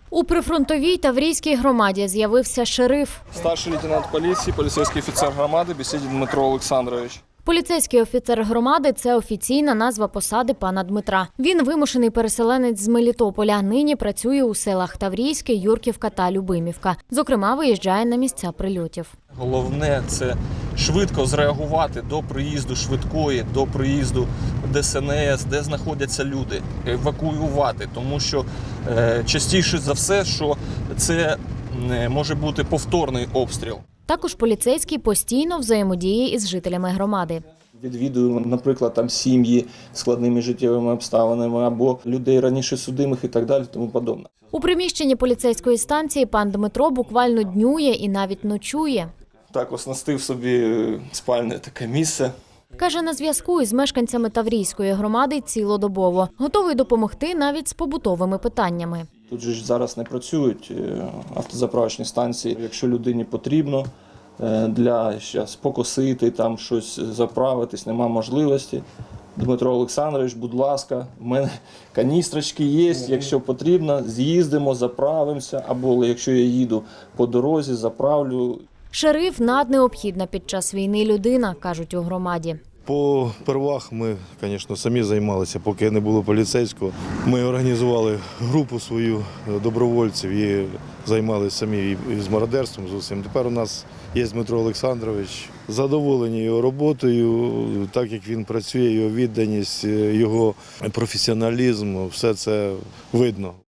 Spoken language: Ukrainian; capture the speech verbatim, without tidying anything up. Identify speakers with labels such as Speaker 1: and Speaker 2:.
Speaker 1: У прифронтовій Таврійській громаді з'явився шериф.
Speaker 2: Старший лейтенант поліції, поліцейський офіцер громади Бесідін Дмитро Олександрович.
Speaker 1: Поліцейський офіцер громади – це офіційна назва посади пана Дмитра. Він вимушений переселенець з Мелітополя. Нині працює у селах Таврійське, Юрківка та Любимівка. Зокрема, виїжджає на місця прильотів.
Speaker 2: Головне – це швидко зреагувати до приїзду швидкої, до приїзду Де Ес En Ес, де знаходяться люди, евакуювати. Тому що е, частіше за все, що це е, може бути повторний обстріл.
Speaker 1: Також поліцейський постійно взаємодіє із жителями громади.
Speaker 2: Відвідуємо, наприклад, там сім'ї з складними життєвими обставинами або людей раніше судимих і так далі, тому подобне.
Speaker 1: У приміщенні поліцейської станції пан Дмитро буквально днює і навіть ночує.
Speaker 2: Так оснастив собі спальне таке місце.
Speaker 1: Каже, на зв'язку із мешканцями Таврійської громади цілодобово. Готовий допомогти навіть з побутовими питаннями.
Speaker 2: Тут же ж зараз не працюють автозаправочні станції. Якщо людині потрібно для щас покосити, там щось заправитись, нема можливості. Дмитро Олександрович, будь ласка, в мене каністрочки є, якщо потрібно, з'їздимо, заправимося, або якщо я їду по дорозі, заправлю.
Speaker 1: Шериф – наднеобхідна під час війни людина, кажуть у громаді.
Speaker 3: По первах ми, звісно, самі займалися, поки не було поліцейського. Ми організували групу свою добровольців і займалися самі і з мародерством, з усім. Тепер у нас є Дмитро Олександрович. Задоволені його роботою, так як він працює, його відданість, його професіоналізм, все це видно.